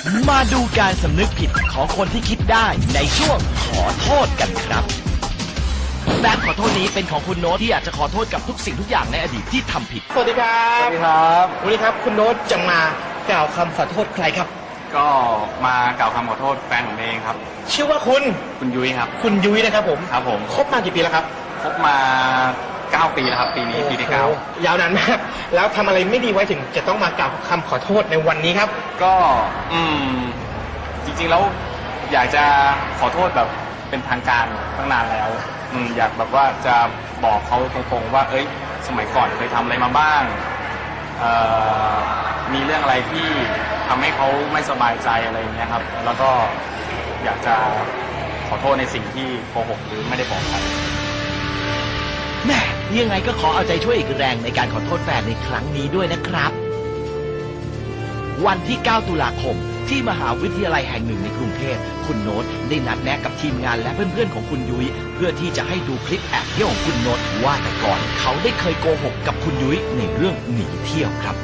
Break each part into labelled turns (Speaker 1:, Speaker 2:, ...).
Speaker 1: มาดูการสำนึกผิดของคนที่คิดได้ในช่วงขอโทษกันครับแบบขอโทษนี้เป็นของคุณโน้ตที่อยากจะขอโทษกับทุกสิ่งทุกอย่างในอดีตที่ทำผิด
Speaker 2: สวัสดีครับ
Speaker 3: สวัสดีครับ
Speaker 2: วันนี้ครับคุณโน้ตจะมากล่าวคำขอโทษใครครับ
Speaker 3: ก็มากล่าวคำขอโทษแฟนผมเองครับ
Speaker 2: ชื่อว่าคุณ
Speaker 3: คุณยุ้ยครับ
Speaker 2: คุณยุ้ยนะครับผม
Speaker 3: ครับผม
Speaker 2: คบมากี่ปีแล้วครับ
Speaker 3: คบมา 9 ปีแล้วครับ ปีนี้ปีที่
Speaker 2: โอ้โหยาวนานมากแล้วทำอะไรไม่ดีไว้ถึงจะต้องมากล่าวคำขอโทษในวันนี้ครับ
Speaker 3: 9 ก็จริงๆแล้วอยากจะขอโทษแบบเป็นทางการตั้งนานแล้วอยากแบบว่าจะบอกเขาตรงๆว่าเอ้ยสมัยก่อนเคยทำอะไรมาบ้างมีเรื่องอะไรที่ทำให้เขาไม่สบายใจอะไรอย่างเงี้ยครับแล้วก็อยากจะขอโทษในสิ่งที่โกหกหรือไม่ได้บอกใคร
Speaker 1: แม่ยังไงก็ขอเอาใจช่วยอีกแรงในการขอโทษแฟนในครั้งนี้ด้วยนะครับวันที่ 9 ตุลาคมที่มหาวิทยาลัยแห่งหนึ่งในกรุงเทพคุณโน้ตได้นัดแนะกับทีมงานและเพื่อนๆของคุณยุ้ยเพื่อที่จะให้ดูคลิปแอบเที่ยวของคุณโน้ตว่าแต่ก่อนเขาได้เคยโกหกกับคุณยุ้ยในเรื่องหนีเที่ยวครับ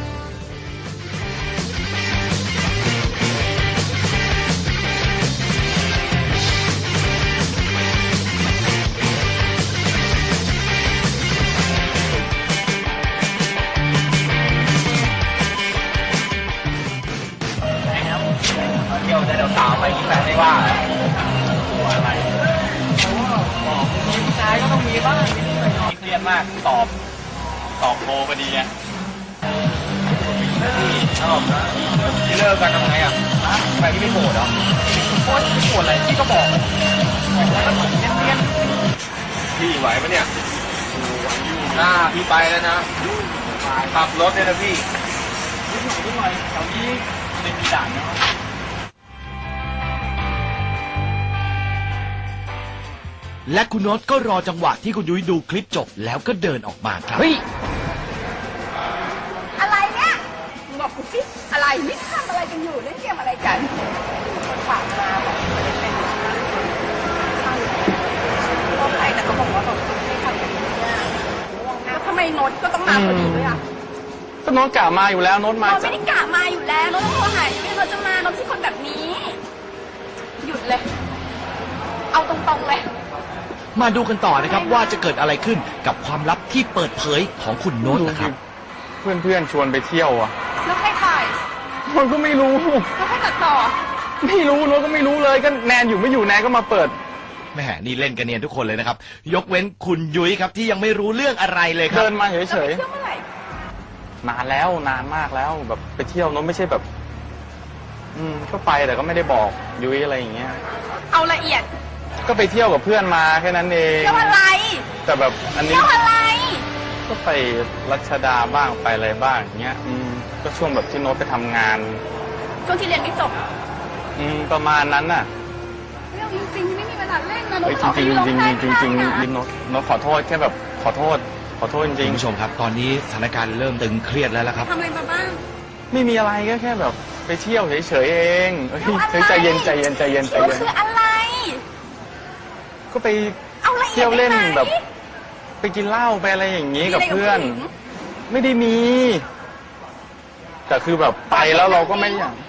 Speaker 3: เที่ยวแต่เดี๋ยวสาวไปที่แฟนไม่ว่าตัวอะไรบอกมีผู้ชายก็ต้องมีบ้างนิดหน่อยเครียดมากสอบโทพอดีไงชอบนะที่เลิกกันทำไงอ่ะไปที่ไม่โกรธเหรอโอ๊ยไม่โกรธอะไรพี่ก็บอกแล้วก็เหมือนเนียนพี่ไหวปะเนี่ยหน้าพี่ไปแล้วนะขับรถเนี่ยนะพี่นิดหน่อยแถวนี้ไม่มีด่านนะ
Speaker 1: และคุณโน้ตก็รอจังหวะที่คุณยุ้ยดูคลิปจบแล้วก็เดินออกมาครับ
Speaker 4: อะไรเนี่ยบอกกูสิอะไรนี่ทำอะไรกันอยู่เล่นเกมอะไรกันฝากมาบอกไม่ได้เป็นก็ไปแต่ก็บอกว่าแบบไม่ทำแบบนี้แล้วทำไมโน้ตก็ต้องมาพอดีด้วยอ่ะ
Speaker 3: ก็โน้ตกะมาอยู่แล้วโน้ตมา
Speaker 4: โน้ตไม่ได้กะมาอยู่แล้วโน้ตต้องโทรหาอยู่โน้ตจะมาโน้ตไม่ใช่คนแบบนี้หยุดเลยเอาตรงๆเลย
Speaker 1: มาดูกันต่อนะครับว่าจะเกิดอะไรขึ้นกับความลับที่เปิดเผยของคุณโน้ตนะครับ
Speaker 3: เพื่อนชวนไปเที่ยวอ่ะ
Speaker 4: แล้วใครถ่าย
Speaker 3: โน้ตก็ไม่รู้
Speaker 4: แล้วใครตัดต่อ
Speaker 3: ไม่รู้โน้ตก็ไม่รู้เลยก็แนนอยู่ไม่อยู่แนนก็มาเปิด
Speaker 1: แม่นี่เล่นกันเนียนทุกคนเลยนะครับยกเว้นคุณยุ้ยครับที่ยังไม่รู้เรื่องอะไรเลยครับ
Speaker 3: เดินมาเฉยๆนานแล้วนานมากแล้วแบบไปเที่ยวโน้ตไม่ใช่แบบก็ไปแต่ก็ไม่ได้บอกยุ้ยอะไรอย่างเงี้ย
Speaker 4: เอาละเอียด
Speaker 3: ก็ไปเที่ยวกับเพื่อนมาแค่นั้นเอง
Speaker 4: เที่ยวอะไร
Speaker 3: แต่แบบอันนี้
Speaker 4: เที่ยวอะไร
Speaker 3: ก็ไปรัชดาบ้างไปอะไรบ้างอย่างเงี้ยก็ช่วงแบบที่โน้ตไปทำงาน
Speaker 4: ช่วงที่เรียนไม่จบ
Speaker 3: ประมาณนั้นน่ะ
Speaker 4: เรื่องจริงๆไม่มีเวลาเล่นนะโน้ต
Speaker 3: จริงโน้ตขอโทษแค่แบบขอโทษจริง
Speaker 1: คุณผู้ชมครับตอนนี้สถานการณ์เริ่มตึงเครียดแล้วครับ
Speaker 4: ทำอะไรมาบ้าง
Speaker 3: ไม่มีอะไรก็แค่แบบไปเที่ยวเฉยๆเองใจเย็นคือ
Speaker 4: อะไร
Speaker 3: ก็ไปเที่ยวเล่นแบบไปกินเหล้าไปอะไรอย่างนี้กับเพื่อนไม่ได้มีแต่คือแบบไปแล้วเราก็ไม่อยาก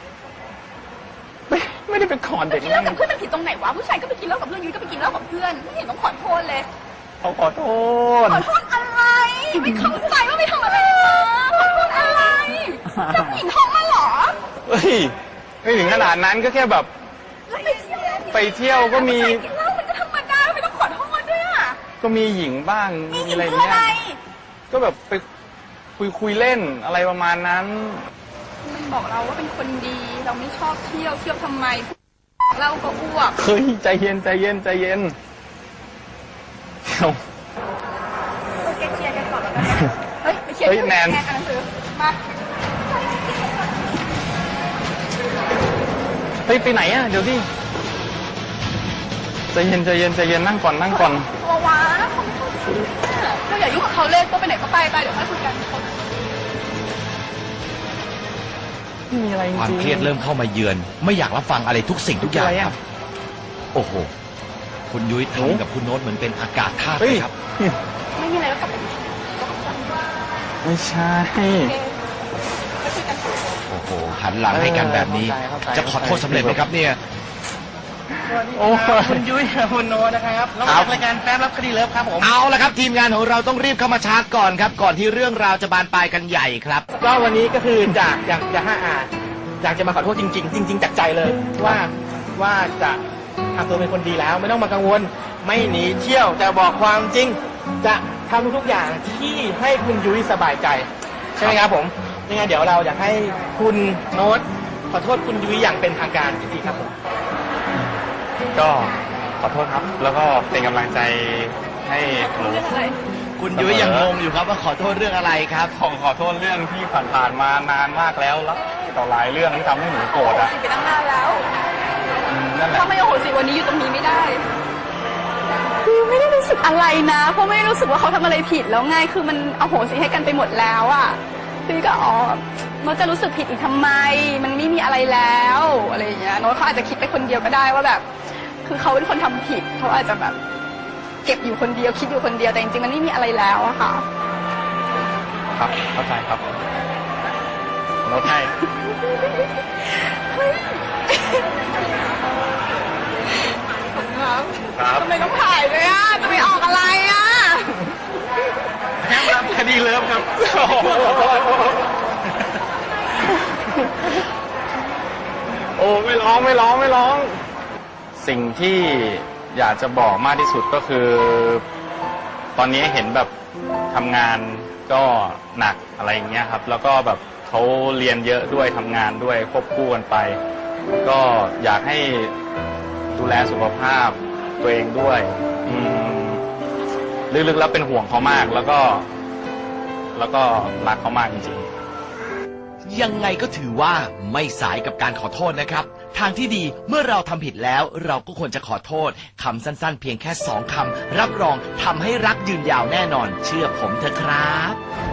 Speaker 3: ไม่ได้ไปขอเด็ก
Speaker 4: กินเหล้ากับเพื่อนมันผิดตรงไหนวะผู้ชายก็ไปกินเหล้ากับเพื่อนยุ้ยก็ไปกินเหล้ากับเพื่อนไม่เห็นต้องขอโทษเลย
Speaker 3: เขาขอโทษ
Speaker 4: อะไรไม่เข้าใจว่าไม่ทำอะไรมาขอโทษอะไรจะผู้หญิงท้องมาหรอ
Speaker 3: เฮ้ยไม่ถึงขนาดนั้นก็แค่แบบไปเที่ยวก็มีก็มีหญิงบ้างมีอะไรเงี้ยก็แบบไปคุยเล่นอะไรประมาณนั้น
Speaker 4: มันบอกเราว่าเป็นคนดีเราไม่ชอบเที่ยวทำไมเราก็อ้วก
Speaker 3: เฮ้ยใจเย็นเดี๋ยว
Speaker 4: เคลียร์กันก่อนแล้วกันเฮ้ยไปเคลียร์
Speaker 3: แนน
Speaker 4: มา
Speaker 3: เฮ้ยไปไหนอ่ะเดี๋ยวดิใจเย็นนั่งก่อน
Speaker 4: ตัวว้าเขาไม่เข้าใจเราอย่ายุ่งกับเขาเลยตัวไปไหนก็ไปเดี๋ยวค่อยคุยกัน
Speaker 3: ไม่มีอะไรจริง
Speaker 1: ความเครียดเริ่มเข้ามาเยือนไม่อยากรับฟังอะไรทุกสิ่งทุกอย่างครับโอ้โหคุณยุ้ยทำกับคุณโน้ตเหมือนเป็นอากาศธาตุเลยครับ
Speaker 4: ไม่มีอะไรแล้วกลับไป
Speaker 3: ไม่ใช่
Speaker 1: โอ้โหโหหันหลังให้กันแบบนี้ จะขอโทษสำเร็จไหมครับเนี่ย
Speaker 2: โอ้คุณยุ้ยคุณโน้ตนะครับเราจากรายการแฟ้มรับคดีเลิฟครับผม
Speaker 1: เอาละครับทีมงานของเราต้องรีบเข้ามาชาร์จก่อนครับ ก่อนที่เรื่องราวจะบานปลายกันใหญ่ครับ
Speaker 2: ก็วันนี้ก็คืออยากจะมาขอโทษจริงๆจริงๆจากใจเลยว่าจะทำตัวเป็นคนดีแล้วไม่ต้องมากังวลไม่หนีเที่ยวจะบอกความจริง จะทำทุกๆอย่างที่ให้คุณยุ้ยสบายใจใช่ไหมครับผมยังไงเดี๋ยวเราอยากให้คุณโน้ตขอโทษคุณยุ้ยอย่างเป็นทางการจริงๆครับผม
Speaker 3: ก็ขอโทษครับ แล้วก็เป็นกำลังใจให้หนู
Speaker 4: เรื่องอะไร
Speaker 1: คุณยุ้ยยังงงอยู่ครับว่าขอโทษเรื่องอะไรครับ
Speaker 3: ขอโทษเรื่องที่ผ่านๆมานานมากแล้วต่อหลายเรื่องที่ทำให้หนูโกรธอ่ะ
Speaker 4: สิไปตั้งนานแล้ว
Speaker 3: นั่นแหละ
Speaker 4: ถ้าไม่โอโหสิวันนี้อยู่ตรงนี้ไม่ได้ คือไม่ได้รู้สึกอะไรนะ เพราะไม่ได้รู้สึกว่าเขาทำอะไรผิดแล้วไง คือมันอโหสิให้กันไปหมดแล้วอ่ะคือก็โน้ตจะรู้สึกผิดอีกทำไม มันไม่มีอะไรแล้วอะไรอย่างเงี้ยโน้ตเขาอาจจะคิดไปคนเดียวก็ได้ว่าแบบ คือเขาเป็นคนทำผิดเขาอาจจะแบบ เก็บอยู่คนเดียวคิดอยู่คนเดียวแต่จริงๆมันไม่มีอะไรแล้วอะค่ะ
Speaker 3: ครับเข้าใจครับโน้ตให้
Speaker 4: ครับ
Speaker 3: ครับ
Speaker 4: ทำไมต้องถ่ายด้วยอ่ะจะไปออกอะไรอ่ะ
Speaker 2: แฟ้มรับคดีเลิฟครับ
Speaker 3: โอ้ไม่ร้อง สิ่งที่อยากจะบอกมากที่สุดก็คือ ตอนนี้เห็นแบบทำงานก็หนักอะไรอย่างเงี้ยครับ แล้วก็แบบเขาเรียนเยอะด้วยทำงานด้วยควบคู่กันไป ก็อยากให้ดูแลสุขภาพตัวเองด้วยลึกๆแล้วเป็นห่วงเขามากแล้วก็รักเขามากจริงๆ
Speaker 1: ยังไงก็ถือว่าไม่สายกับการขอโทษนะครับ ทางที่ดีเมื่อเราทำผิดแล้วเราก็ควรจะขอโทษคำสั้นๆ เพียงแค่2 คำรับรองทำให้รักยืนยาวแน่นอน เชื่อผมเถอะครับ